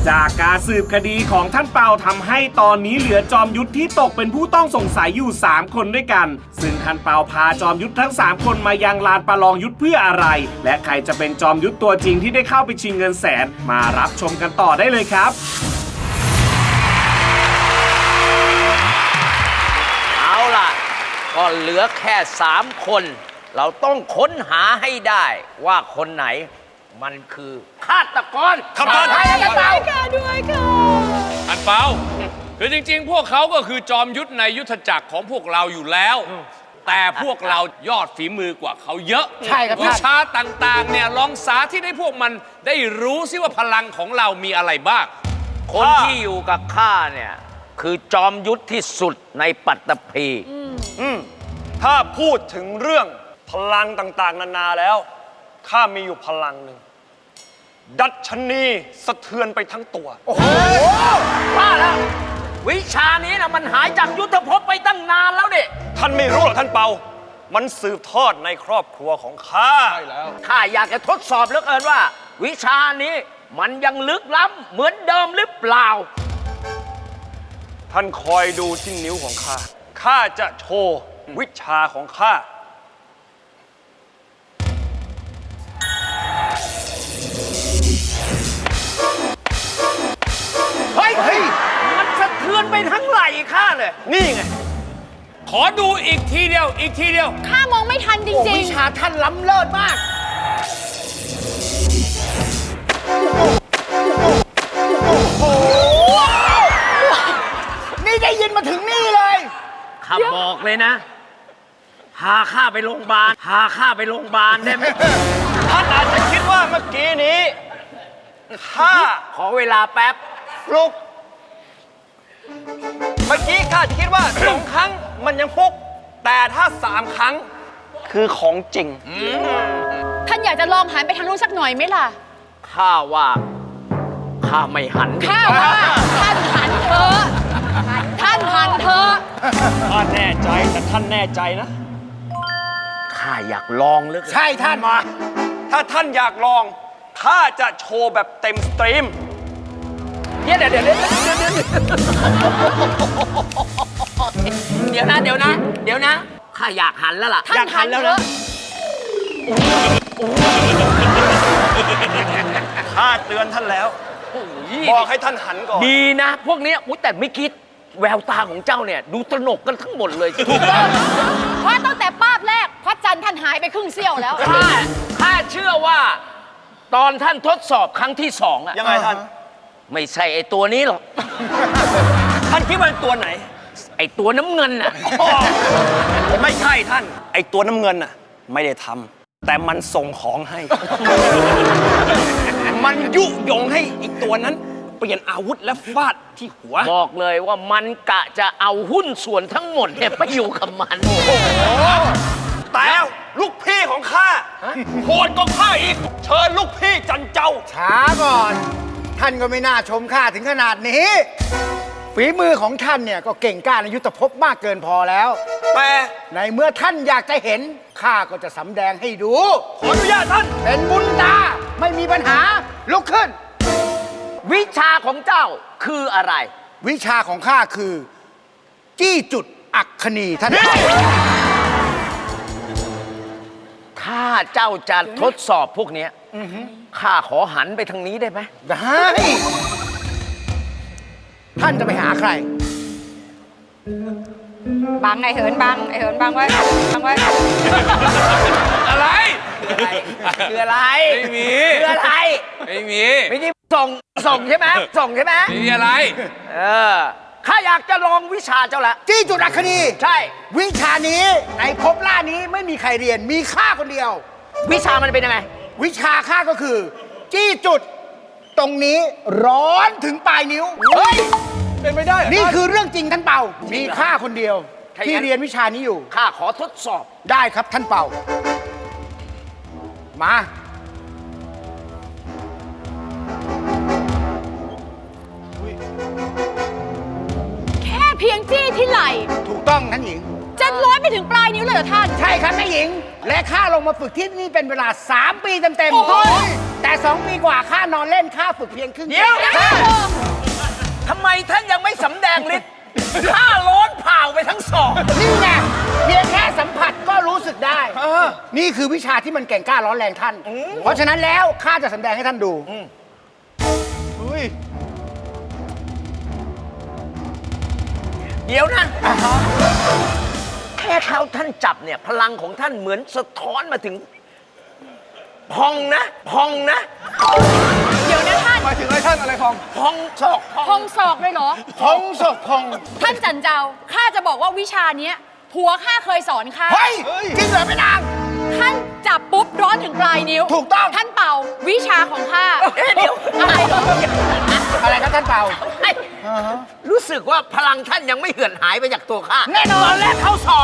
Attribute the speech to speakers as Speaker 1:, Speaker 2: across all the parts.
Speaker 1: จากการสืบคดีของท่านเปาทำให้ตอนนี้เหลือจอมยุทธที่ตกเป็นผู้ต้องสงสัยอยู่3คนด้วยกันซึ่งท่านเปาพาจอมยุทธทั้ง3คนมายังลานประลองยุทธเพื่ออะไรและใครจะเป็นจอมยุทธตัวจริงที่ได้เข้าไปชิงเงินแสนมารับชมกันต่อได้เลยครับ
Speaker 2: เอาล่ะก็เหลือแค่3คนเราต้องค้นหาให้ได้ว่าคนไหนมันคือฆาตกร
Speaker 3: ครับท่าน
Speaker 2: ด้วยค่ะ
Speaker 3: อันเปาคือจริงๆพวกเขาก็คือจอมยุทธในยุทธจักรของพวกเราอยู่แล้วแต่พวกเรายอดฝีมือกว่าเขาเยอะ
Speaker 4: ใช่ครับท่าน
Speaker 3: วิชาต่างๆเนี่ยลองสาธิตให้พวกมันได้รู้ซิว่าพลังของเรามีอะไรบ้าง
Speaker 2: คนที่อยู่กับข้าเนี่ยคือจอมยุทธที่สุดในปัตตภี
Speaker 5: ถ้าพูดถึงเรื่องพลังต่างๆนานาแล้วข้ามีอยู่พลังหนึ่งดัชนีสะเทือนไปทั้งตัว
Speaker 2: โอ้โหว่าแล้ววิชานี้นะมันหายจากยุทธภพไปตั้งนานแล้วเนี่ย
Speaker 5: ท่านไม่รู้หรอกท่านเปามันสืบทอดในครอบครัวของข้า
Speaker 2: ใช่แล้วข้าอยากจะทดสอบเหลือเกินว่า วิชานี้มันยังลึกล้ำเหมือนเดิมหรือเปล่า
Speaker 5: ท่านคอยดูที่นิ้วของข้าข้าจะโชว์วิชาของข้า
Speaker 2: เฮ้ยมันสะเทือนไปทั้งไหล่ข้าเลย
Speaker 5: นี่ไง
Speaker 3: ขอดูอีกทีเดียวอีกทีเดียว
Speaker 6: ข้ามองไม่ทันจริงๆ
Speaker 2: วิชาท่านล้ำเลิศมาก
Speaker 4: นี่ได้ยินมาถึงนี่เลย
Speaker 2: ข้าบอกเลยนะพาข้าไปโรงพยาบาลได้ไหม
Speaker 5: ท่านอาจจะคิดว่าเมื่อกี้นี้ข้า
Speaker 2: ขอเวลาแป๊บ
Speaker 5: ฟลุกเมื่อกี้ข้าคิดว่า2 ครั้งมันยังฟุกแต่ถ้า3 ครั้งคือของจริง
Speaker 6: ท่านอยากจะลองหันไปทางนู้นสักหน่อยไหมล่ะ
Speaker 2: ข้าว่าข้าไม่หัน
Speaker 6: ข้าว่าท่านหันเถอะท่านหันเถอะ
Speaker 5: ข้าแน่ใจแต่ท่านแน่ใจนะ
Speaker 2: ข้าอยากลองลึก
Speaker 4: ใช่ท่านมา
Speaker 5: ถ้าท่านอยากลองข้าจะโชว์แบบเต็มสตรีม
Speaker 2: เดี๋ยวนะข้าอยากหันแล้วล่ะ
Speaker 6: ท่านหันแล้วนะ
Speaker 5: ข้าเตือนท่านแล้วบอกให้ท่านหันก่อน
Speaker 2: ดีนะพวกนี้แต่ไม่คิดแววตาของเจ้าเนี่ยดูตระหนกกันทั้งหมดเลย
Speaker 6: ถูกต้องเพราะตั้งแต่ป้าบแรกพระจันทร์ท่านหายไปครึ่งเสี้ยวแล้ว
Speaker 2: ข้าเชื่อว่าตอนท่านทดสอบครั้งที่2อะ
Speaker 5: ยังไงท่าน
Speaker 2: ไม่ใช่ไอ้ตัวนี้หรอก
Speaker 5: ท่านคิดว่าตัวไหน
Speaker 2: ไอ้ตัวน้ำเงินน่ะ
Speaker 5: ไม่ใช่ท่านไอ้ตัวน้ำเงินน่ะไม่ได้ทำแต่มันส่งของให้ มันยุยงให้อีกตัวนั้นเปลี่ยนอาวุธและฟาดที่หัว
Speaker 2: บอกเลยว่ามันกะจะเอาหุ้นส่วนทั้งหมดเนี่ยไปอยู่กับมัน
Speaker 5: แต่ลูกพี่ของข้าโหดกว่าข้าอีกเชิญลูกพี่จันเจ้า
Speaker 4: ช้าก่อนท่านก็ไม่น่าชมข้าถึงขนาดนี้ฝีมือของท่านเนี่ยก็เก่งกล้าในยุทธภพมากเกินพอแล้ว
Speaker 5: แต่
Speaker 4: ในเมื่อท่านอยากจะเห็นข้าก็จะสำแดงให้ดู
Speaker 5: ขออนุญาตท่าน
Speaker 4: เป็นบุญตาไม่มีปัญหาลุกขึ้น
Speaker 2: วิชาของเจ้าคืออะไร
Speaker 4: วิชาของข้าคือจี้จุดอัคคณีท่าน
Speaker 2: ถ้าเจ้าจะทดสอบพวกนี้ข้าขอหันไปทางนี้ได้ไหม
Speaker 4: ได้ท่านจะไปหาใคร
Speaker 6: บังไอเหินบังไว้
Speaker 3: อะไร
Speaker 2: คืออะไร
Speaker 3: ไม่มี
Speaker 2: คืออะไร
Speaker 3: ไม่มี
Speaker 2: ไม่ใช่ส่งใช่ไหม
Speaker 3: ไม่มีอะไร
Speaker 2: ข้าอยากจะลองวิชาเจ้าละ
Speaker 4: จี้จุดอัคคณี
Speaker 2: ใช่
Speaker 4: วิชานี้ในภพล่านี้ไม่มีใครเรียนมีข้าคนเดียว
Speaker 2: วิชามันเป็นยังไง
Speaker 4: วิชาข้าก็คือจี้จุดตรงนี้ร้อนถึงปลายนิ้ว
Speaker 2: เฮ้ย
Speaker 4: เป็นไม่ได้นี่คือเรื่องจริงท่านเป่ามีข้าคนเดียวที่เรียนวิชานี้อยู่
Speaker 2: ข้าขอทดสอบ
Speaker 4: ได้ครับท่านเป่ามา
Speaker 6: แค่เพียงจี้ที่ไหล่
Speaker 4: ถูกต้องท่านหญิง
Speaker 6: จะร้อนไปถึงปลายนิ้วเลยเหรอท่าน
Speaker 4: ใช่ครับแม่หญิงและข้าลงมาฝึกที่นี่เป็นเวลา3 ปีเต็มๆแต่ 2 ปีกว่าข้านอนเล่นข้าฝึกเพียงครึ่ง
Speaker 2: เดี๋ยวทำไมท่านยังไม่สำแดงฤทธิ์ข้าร้อนเผาไปทั้งสอง
Speaker 4: นี่ไงเพียงแค่สัมผัสก็รู้สึกได้ นี่คือวิชาที่มันเก่งกล้าร้อนแรงท่าน เพราะฉะนั้นแล้วข้าจะแสดงให้ท่านดู
Speaker 2: เดี๋ยวนะแค่เขาท่านจับเนี่ย พลังของท่านเหมือนสะท้อนมาถึง พองนะ
Speaker 6: เดี๋ยวนะท่าน
Speaker 5: หมายถึงอะไรท่านอะไรพอง
Speaker 2: พองศอก
Speaker 6: พองศอกเลยเหรอ
Speaker 4: พองศกพอง
Speaker 6: ท่านจันเจ้าข้าจะบอกว่าวิชาเนี้ยผัวข้าเคยสอนข้า
Speaker 4: เฮ้ย จริงเหรอแม่นาง
Speaker 6: ท่านจับปุ๊บร้อนถึงปลายนิ้ว
Speaker 4: ถูกต้อง
Speaker 6: ท่านเป่าวิชาของข้า
Speaker 2: เดี๋ยว
Speaker 6: อะไรเหรอ
Speaker 4: อะไรครับท่านเปา
Speaker 2: รู้สึกว่าพลังท่านยังไม่เหือนหายไปจากตัวข้า
Speaker 4: แน่นอน
Speaker 2: ตอนแรกเข้าศอก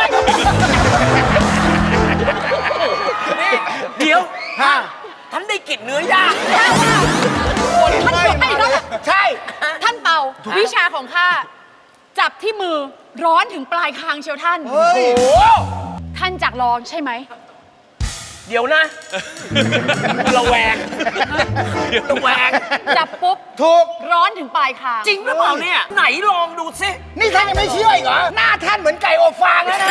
Speaker 2: นี่เดี๋ยว
Speaker 4: ฮะ
Speaker 2: ท่านได้กลิ่นเนื้อย่าง
Speaker 6: ท่านเป่าไอ้นั่นน่ะ
Speaker 4: ใช่
Speaker 6: ท่านเป่าวิชาของข้าจับที่มือร้อนถึงปลายคางเชียวท่าน ท่านจักลองใช่ไหม
Speaker 2: เดี๋ยวนะระแวง
Speaker 6: จับปุ๊บ
Speaker 4: ถูก
Speaker 6: ร้อนถึงปลายคาง
Speaker 2: จริงหรือเปล่าเนี่ย ไหนลองดูสิ
Speaker 4: นี่ท่านยังไม่เชื่ออีกเหรอ หน้าท่านเหมือนไก่อบฟางแล้วนะ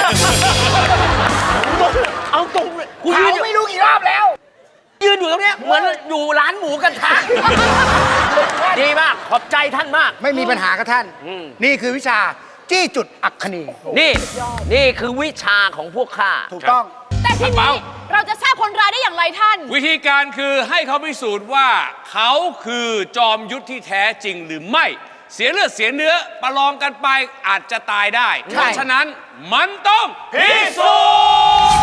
Speaker 2: เอาตรงเลยกู
Speaker 4: เผา
Speaker 2: ยืน
Speaker 4: ไม่รู้กี่รอบแล้ว
Speaker 2: ยืนอยู่ตรงเนี้ยเหมือนอยู่ร้านหมูกระทะดีมาก ขอบใจท่านมาก
Speaker 4: ไม่มีปัญหากับท่าน นี่คือวิชาจี้จุดอัคคณี
Speaker 2: นี่คือวิชาของพวกข้า
Speaker 4: ถูกต้อง
Speaker 6: แต่ที
Speaker 3: เป่า
Speaker 6: นี้เราจะทราบคนร้ายได้อย่างไรท่าน
Speaker 3: วิธีการคือให้เขาพิสูจน์ว่าเขาคือจอมยุทธที่แท้จริงหรือไม่ เสียเลือดเสียเนื้อประลองกันไปอาจจะตายได้ เพราะฉะนั้นมันต้องพิสูจน์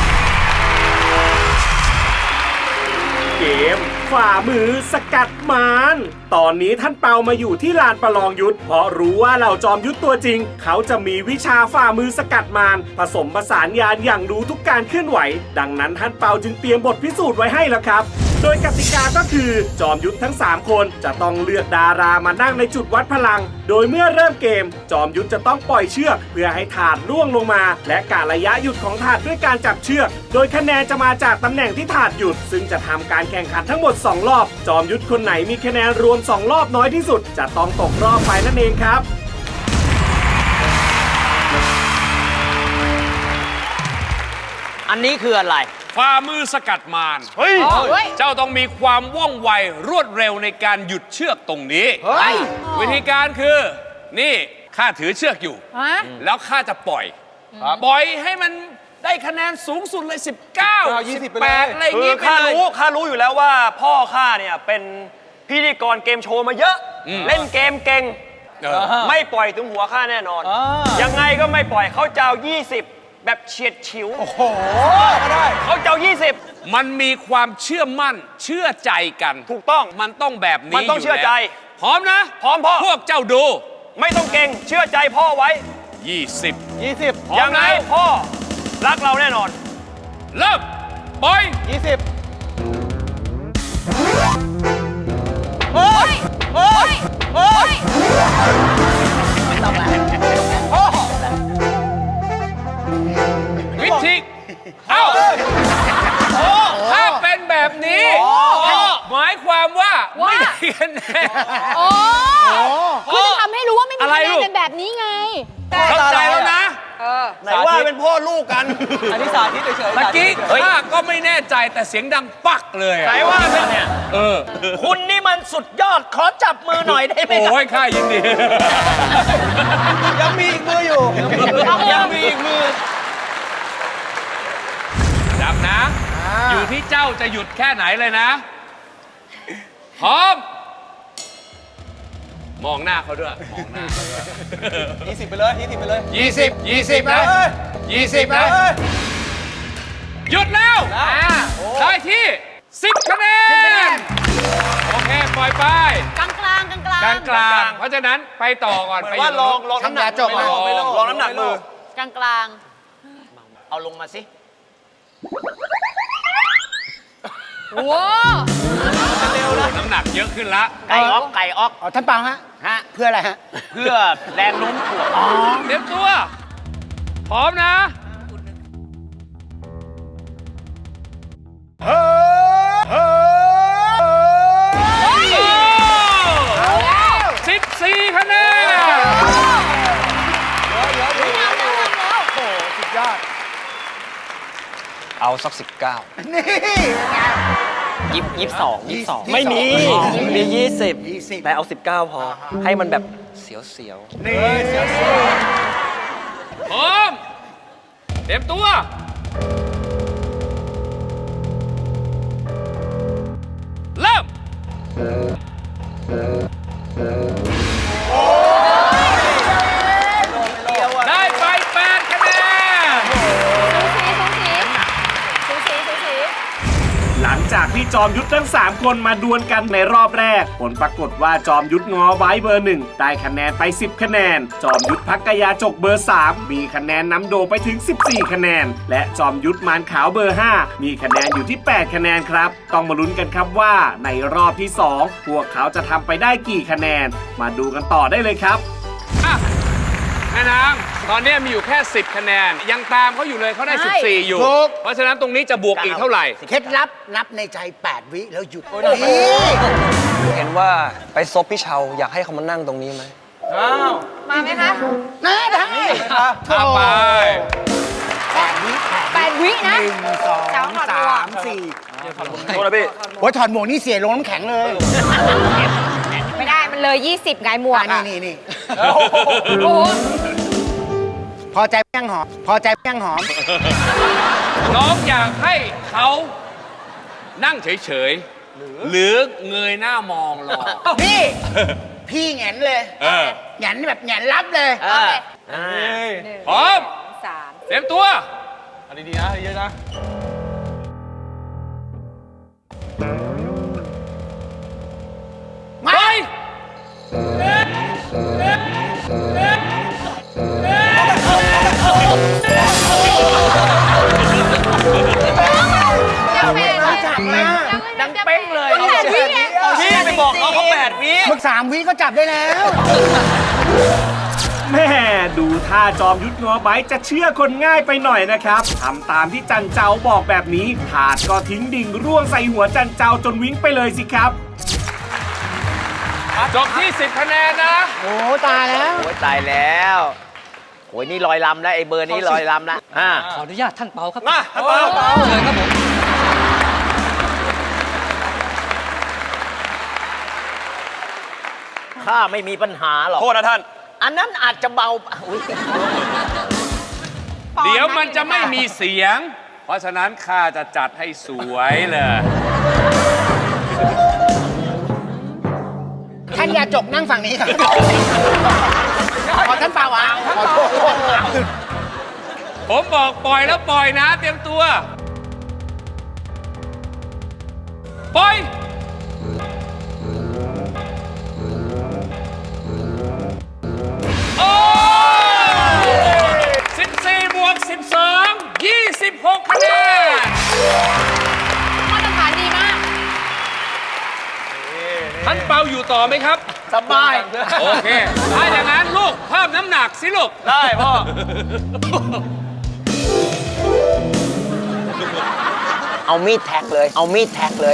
Speaker 1: เกมฝ่ามือสกัดมารตอนนี้ท่านเปามาอยู่ที่ลานประลองยุทธเพราะรู้ว่าเหล่าจอมยุทธตัวจริง เขาจะมีวิชาฝ่ามือสกัดมารผสมผสานญาณอย่างรู้ทุกการเคลื่อนไหว ดังนั้นท่านเปาจึงเตรียมบทพิสูจน์ไว้ให้แล้วครับ โดยกติกาก็คือจอมยุทธทั้ง 3 คนจะต้องเลือกดารามานั่งในจุดวัดพลัง โดยเมื่อเริ่มเกม จอมยุทธจะต้องปล่อยเชือกเพื่อให้ถาดร่วงลงมา และกะระยะหยุดของถาดด้วยการจับเชือก โดยคะแนนจะมาจากตำแหน่งที่ถาดหยุด ซึ่งจะทำการแข่งขันทั้งหมด 2 รอบ จอมยุทธคนไหนมีคะแนนรวม 2 รอบน้อยที่สุด จะต้องตกรอบไปนั่นเองครับ
Speaker 2: อันนี้คืออะไร
Speaker 3: ฝ่ามือสกัดมาร
Speaker 5: เฮ้ย
Speaker 6: เฮ้ย
Speaker 3: เจ้าต้องมีความว่องไวรวดเร็วในการหยุดเชือกตรงนี้
Speaker 4: เฮ้ย
Speaker 3: วิธีการคือ นี่ข้าถือเชือกอยู่
Speaker 6: ฮะ
Speaker 3: แล้วข้าจะปล่อย ปล่อยให้มันได้คะแนนสูงสุดเลย 19 18อะไรอย่าง
Speaker 5: คือ
Speaker 3: งี้ไป
Speaker 5: ข้า
Speaker 3: เลย
Speaker 5: รู้อยู่แล้วว่าพ่อข้าเนี่ยเป็นพิธีกรเกมโชว์มาเยอะ เล่นเกมเก่ง
Speaker 3: เออ
Speaker 5: ไม่ปล่อยถึงหัวข้าแน่นอน ยังไงก็ไม่ปล่อยเขาจะเอา20 แบบเฉียดฉิว โอ้โหก็ได้เขาจะเอา20
Speaker 3: มันมีความเชื่อมั่นเชื่อใจกัน
Speaker 5: ถูกต้อง
Speaker 3: มันต้องแบบนี้
Speaker 5: มันต้องเชื่อใจ
Speaker 3: ยู่แล้วพร้อมนะ
Speaker 5: พร้อมพ่อ
Speaker 3: พวกเจ้าดู
Speaker 5: ไม่ต้องเก่งเชื่อใจพ่อไว้
Speaker 3: 20 พร้อ
Speaker 5: ยั
Speaker 3: ม
Speaker 5: งไง
Speaker 3: แล้ว
Speaker 5: พ่อรักเราแน่นอน
Speaker 3: เริ่มปล่อย
Speaker 6: เฮ้ย เฮ้ย เฮ้ย
Speaker 3: วิธีเอ้าถ้าเป็นแบบนี้หมายความว่า
Speaker 6: ว่า
Speaker 3: ไม่ได้คะแนน
Speaker 6: โอ้คือจะทำให้รู้ว่าไม่มี
Speaker 3: อะไร
Speaker 6: คะแน
Speaker 3: ลู
Speaker 6: น
Speaker 3: ก
Speaker 6: เป็นแบบนี้ไง
Speaker 3: เข้าใจแล้วนะ
Speaker 5: ไหนว่าเป็นพ่อลูกกัน
Speaker 7: อันนี้สาธิตเฉยๆ
Speaker 3: เมื่อกี้
Speaker 2: เฮ้ย
Speaker 3: ข้าก็ไม่แน่ใจแต่เสียงดังปักเลยอะ
Speaker 5: ไหนว่าเป็น
Speaker 2: เนี่ย
Speaker 3: เออ
Speaker 2: คุณนี่มันสุดยอด ขอจับมือหน่อยได้ไหมครับ
Speaker 3: โอ้ยข้ายินดี
Speaker 7: ยังมีอีกมืออยู่
Speaker 3: ยังมีอีกมือจับนะ อยู่ที่เจ้าจะหยุดแค่ไหนเลยนะ พร้อม มองหน้าเขาด้วย มองหน้าเขาด้วย
Speaker 7: 20 ไปเลย20 ไปเลย
Speaker 3: 20นะ20นะหยุดแล้ว ได้ที่ 10 คะแนน โอเค ปล่อยไป
Speaker 6: กลางกลางกลางกลาง
Speaker 3: กลางกลางเพราะฉะนั้นไปต่อก่อน
Speaker 5: เหมื
Speaker 3: ไป
Speaker 5: อนว่าลองน้ำหนัก
Speaker 4: ทำยาจบ
Speaker 5: มือ
Speaker 3: ไม่ลอง
Speaker 5: ลองน้ำหนักมือ
Speaker 6: กลางกลาง
Speaker 2: เอาลงมาสิ
Speaker 6: โอ้
Speaker 3: น้ำหนักเยอะขึ้นละ
Speaker 2: ไก่ออกไก่ออก
Speaker 4: อ๋อท่านเปาฮะ
Speaker 2: ฮะ
Speaker 4: เพื่ออะไรฮะ
Speaker 2: เพื่อแรงโน้มถ่วง
Speaker 3: เตรียมตัว พร้อมนะ
Speaker 4: เฮ้ย
Speaker 7: เอาสัก 19
Speaker 4: นี่ไง
Speaker 7: 22 ไม่มี มี 20 แต่เอา 19 พอ ให้มันแบบเสียว
Speaker 4: นี่
Speaker 3: พร้อม เตรียมตัว เริ่ม ได้ไป8 คะแนน
Speaker 6: สูสี
Speaker 1: หลังจากที่จอมยุทธทั้ง 3 คนมาดวลกันในรอบแรก ผลปรากฏว่าจอมยุทธงอไว้เบอร์ 1 ได้คะแนนไป 10 คะแนน จอมยุทธพักกยาจกเบอร์ 3 มีคะแนนนำโดไปถึง 14 คะแนน และจอมยุทธมารขาวเบอร์ 5 มีคะแนนอยู่ที่ 8 คะแนนครับ ต้องมาลุ้นกันครับว่าในรอบที่ 2 พวกเขาจะทำไปได้กี่คะแนน มาดูกันต่อได้เลยครับ
Speaker 3: อ่ะแม่นาง ตอนนี้มีอยู่แค่ 10 คะแนน ยังตามเขาอยู่เลยเขาได้ 14 อยู่ เพราะฉะนั้นตรงนี้จะบวกอีกเท่าไหร่
Speaker 4: เคล็ดลับนับในใจ 8 วิแล้วหยุด
Speaker 7: นี่
Speaker 4: นี่
Speaker 7: ๆ เห็นว่าไปซบพี่เชาอยากให้เขามานั่งตรงนี้ไหม
Speaker 6: มาไหมคะ
Speaker 4: นะได้
Speaker 3: เอาไป
Speaker 4: 8 วิ
Speaker 6: 8 วินะ
Speaker 4: 1 2 3 4
Speaker 5: โทษนะพี่
Speaker 4: โอ้ยถอดหมวกนี่เสียลงน้ำแข็งเลย
Speaker 6: ไม่ได้มันเลย 20 ไงหมวก
Speaker 4: นี่
Speaker 6: โอ้โห
Speaker 4: พอใจแป้งหอม พอใจแป้งหอม
Speaker 3: น้องอยากให้เขานั่งเฉยๆ หรือเงยหน้ามองรอ
Speaker 4: พี่ พี่แหงนเลย
Speaker 3: เออ
Speaker 4: แหงนแบบแหงนรับเลย
Speaker 3: พร้อม
Speaker 6: 3
Speaker 3: เตรียมตัว
Speaker 7: เอาดีๆนะเยอะๆนะ
Speaker 4: มา
Speaker 3: ไป
Speaker 6: ยังไม่ได้
Speaker 4: จับมา
Speaker 6: ดังเป้งเลย8 วิไง
Speaker 7: พี่ไปบอกเขา8 วิ
Speaker 4: มึก3 วิก็จับได้แล้ว
Speaker 1: แม่ดูท่าจอมยุทธงอไบจะเชื่อคนง่ายไปหน่อยนะครับทำตามที่จันเจ้าบอกแบบนี้ถาดก็ทิ้งดิ่งร่วงใส่หัวจันเจ้าจนวิ่งไปเลยสิครับ
Speaker 3: จบที่ 10 คะแนนนะ
Speaker 4: โอ้ตายแล้ว
Speaker 2: โอ้ยตายแล้วโอ้ยนี่ลอยลำแล้วไอ้เบอร์นี้ลอยลำแล้ว
Speaker 7: ขออนุญาตท่านเปาครับ
Speaker 5: มาเปา
Speaker 7: เชิญครับผม
Speaker 2: ข้าไม่มีปัญหาหรอก
Speaker 5: โทษนะท่าน
Speaker 2: อันนั้นอาจจะเบาอุ๊ย
Speaker 3: เดี๋ยวมันจะไม่มีเสียง เพราะฉะนั้นข้าจะจัดให้สวยเลย
Speaker 4: ท่านยาจกนั่งฝั่งนี้ครับขอท่านเปล่าวะขอโทษ
Speaker 3: ผมบอกปล่อยแล้วปล่อยนะ เตรียมตัว ปล่อย โอ้14 บวก 12 26 คะแนน
Speaker 6: มาตรฐานดีมาก
Speaker 3: ท่านเปาอยู่ต่อไหมครับ
Speaker 2: สบาย
Speaker 3: โอเค ถ้าอย่างนั้นลูกเพิ่มน้ำหนักสิลูก
Speaker 5: ได้พ่อ
Speaker 2: เอามีดแท็กเลย เอามีดแท็กเลย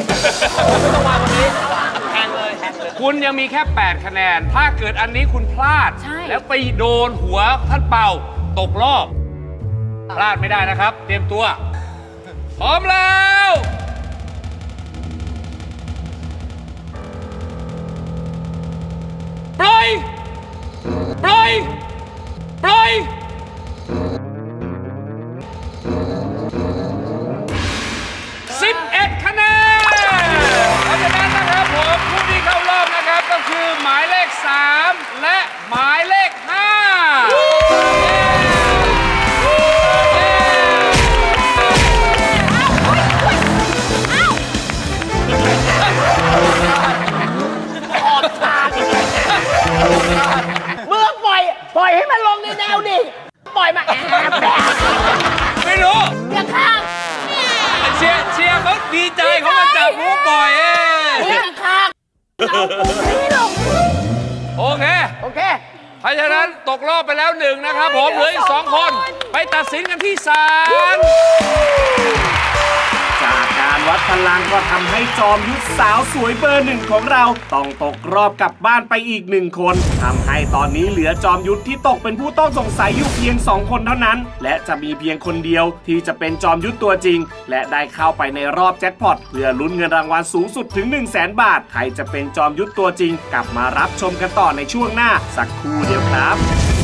Speaker 3: คุณยังมีแค่ 8 คะแนน ถ้าเกิดอันนี้คุณพลาด
Speaker 6: ใช่
Speaker 3: แล้วไปโดนหัวท่านเป่าตกรอบ พลาดไม่ได้นะครับ เตรียมตัว พร้อมแล้ว ปล่อย ปล่อย ปล่อย 11 คะแนนเพราะฉะนั้นนะครับผมผู้ที่เข้ารอบนะครับก็คือหมายเลข 3 และหมายเลข 5
Speaker 2: เมื่อปล่อยให้มันลงในแนวดิ ปล่อยมาแอบแบบ
Speaker 3: ไม่รู้
Speaker 6: อย่าข้าง
Speaker 3: เชียร์เขาดีใจเขามาจับมูปล่อยเอง
Speaker 6: อย่าข้างเอาปูนี่ลง
Speaker 3: โอเค
Speaker 2: โอเค
Speaker 3: เพราะฉะนั้นตกรอบไปแล้ว1นะครับผมเหลืออีก 2 คน ไปตัดสินกันที่ศาล
Speaker 1: จากการวัดพลังก็ทำให้จอมยุทธสาวสวยเบอร์ 1ของเราต้องตกรอบกลับบ้านไปอีก1คนทำให้ตอนนี้เหลือจอมยุทธที่ตกเป็นผู้ต้องสงสัยอยู่เพียง2คนเท่านั้นและจะมีเพียงคนเดียวที่จะเป็นจอมยุทธตัวจริงและได้เข้าไปในรอบแจ็คพอตเพื่อลุ้นเงินรางวัลสูงสุดถึง 100,000 บาทใครจะเป็นจอมยุทธตัวจริงกลับมารับชมกันต่อในช่วงหน้าสักครู่เดียวครับ